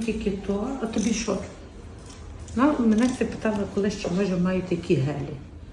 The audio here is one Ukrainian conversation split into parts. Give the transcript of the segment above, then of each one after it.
тільки то, а тобі що? Ну, мене все питали, коли ще може мають такі гелі.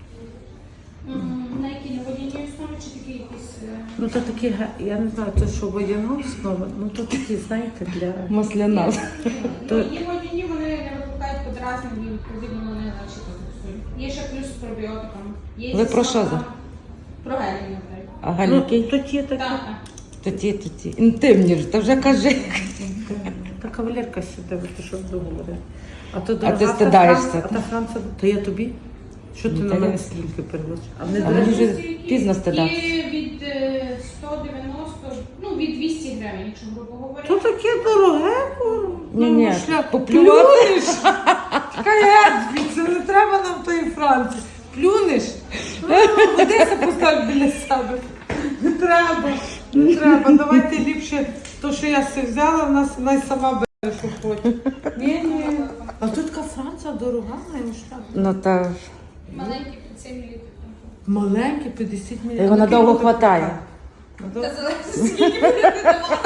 На якій водяній основі чи такі якісь? Ну то такі гелі, я не знаю, то що водяна основа, ну то такі, знаєте, для Масляна. То- Є водяні, вони не викликають подразнення, відповідно вони наче токсують. Є ще плюс з пробіотиком. Є Ви зі про що смаком. за? Про гелі, наприклад. А Ну, галіки? то ті такі. Так, так. Тоді. Інтимні ж, то вже кажи. Та кавалерка сюди, ти що договорив. А то А дорога ти та стидаєшся. Франція, а та Франція, то я тобі? Що ти Ну, на та мене я- слінки переводиш? А не А мені дорога? вже пізно стидатися. Є від 190, ну від 200 гривень, якщо грубо говорити. То таке дороге, Ні, шлях. поплювати. Плюнеш? Чекай, це не треба нам тої Франції. Плюнеш? Одеса постав біля себе. Не треба, не треба. Давайте ліпше то, що я все взяла, в нас вона й сама бере, що хоче. Ні. А тут така Франція дорога, моєму шлях. Ну та Маленький 5 мл. Маленький, 50 мл. І вона довго хватає. Та залежить, скільки буде давати.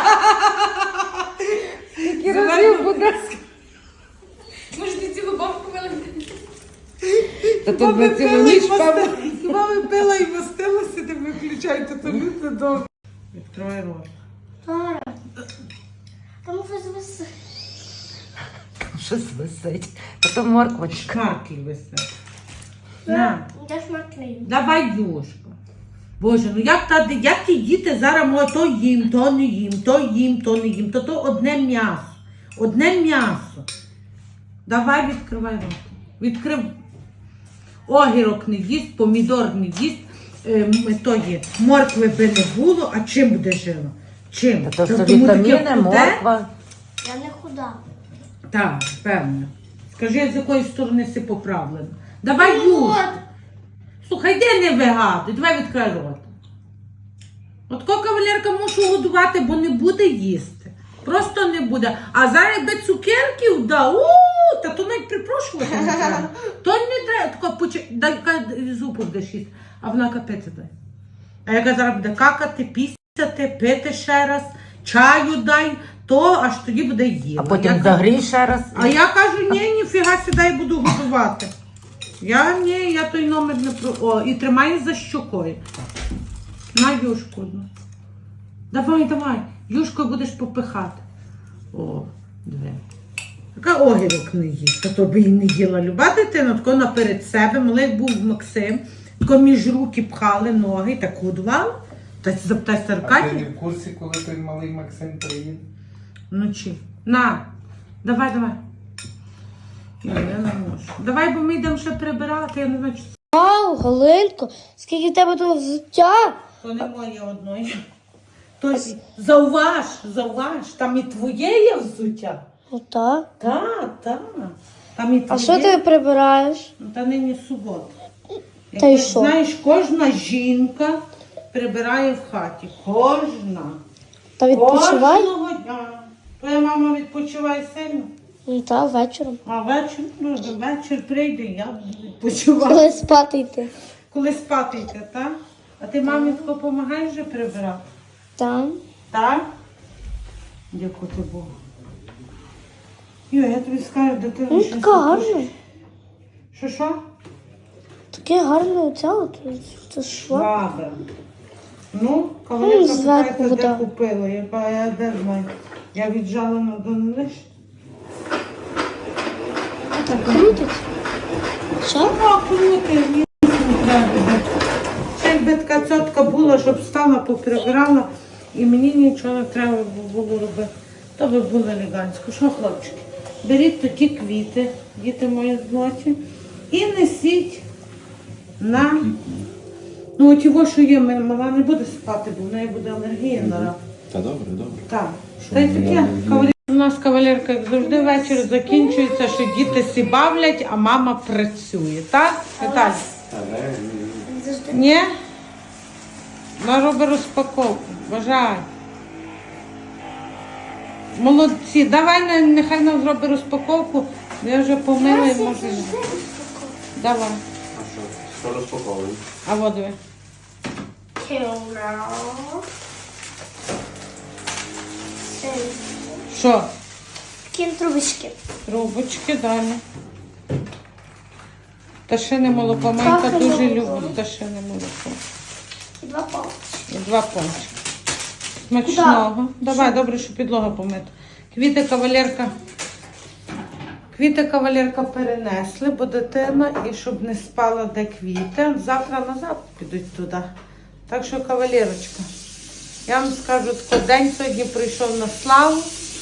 Скільки разів буде? Може, ти цілу банку вилити? Та тут ми цілу ніч певно. Хіба ви пила і мастилася, не виключайте, то люди добре. Відкривай рот. Там щось висить. Щось висить. Та то морквочка. Шмарки висять. На. Я шмаркнею. Давай, Юшка. Боже, ну як ті діти зараз можуть то їм, то не їм, то їм, то не їм, то одне м'ясо. Одне м'ясо. Давай відкривай рот. Відкрив. Огірок не їсть, помідор не їсть, то є. Моркви би не було, а чим буде жило? Чим? Та то Тому таке вітаміни, худе? морква. Я не худа. Так, певно. Скажи, з якої сторони си поправлено. Давай, Юшка. Слухай, де не вигадуй, давай відкрий рот. От ко кавалерка мушу годувати, бо не буде їсти. Просто не буде. А зараз якби цукерків дав, та то навіть припрошувати не треба. То не треба, дай зубу будеш їсти, а вона капець дай. А яка зараз буде какати, пісяти, пити ще раз, чаю дай, то аж тоді буде їла. А потім загрій ще раз. А я кажу, ніфіга сюди я буду готувати. Я той номер не про... О, і тримаю за щокою. На, Юшку одну. Давай. Юшкою будеш попихати. О, диви. Така огірок не їсть, та то би і не їла. Люба дитина, тако наперед себе, малий був Максим, тако між руки пхали ноги, так годували. Та запитайся А ти Аркадій. не в курсі, коли той малий Максим приїде? Вночі. На, давай. Ні, я не можу. Давай, бо ми йдемо ще прибирати, я не знаю, чи Вау, Галинко, скільки в тебе тут взуття? то не моє одної. То зауваж, там і твоє є взуття. Ота. Так. Там і твоє. А що ти прибираєш? Ну, та нині субота. Та й Якось, що? знаєш, кожна жінка прибирає в хаті. Кожна. Та відпочивай? Кожного дня. Твоя мама відпочиває сильно. Ну та вечором. А вечір прийде, я буду відпочивати. Коли спати йти. Коли спати йти, так? А ти мамі тако допомагаєш вже прибирати? Там. Так? Дякую ти Богу. Йо, я тобі скажу, дитина. Ну, така гарна. Що? Таке гарне оця от. Це що? Баба. Ну, кавалерка зверху питається, де вода. купила. Я де знаю. Я віджала на донелиш. Так крутить. Що? А, крути, ні, не треба. Ще якби така цьотка була, щоб стала, поприбирала, і мені нічого не треба було робити. То би було елегантсько. Що, хлопчики? Беріть такі квіти, діти мої злоті, і несіть на... Ну, от його, що є, мала не буде спати, бо в неї буде алергія на рак. Та добре. Так. Та й таке. У нас кавалерка, як завжди, вечір закінчується, що діти сі бавлять, а мама працює. Так, Віталій? Ні? Вона робить розпаковку. Бажаю. Молодці. Давай, нехай нам зробить розпаковку. Я вже помила і можу. Давай. А що розпаковуємо? А вот диви. Що? Такі трубочки. Трубочки далі. Пташине молоко. Майка Птахине дуже молоко. любить пташине молоко. І 2 палочки. І 2 пончики. Смачного. Давай, добре, що підлога помита. Квіти кавалерка перенесли, бо дитина, і щоб не спала де квіти. Завтра назад підуть туди. Так що, кавалерочка, я вам скажу, що день сьогодні прийшов на славу.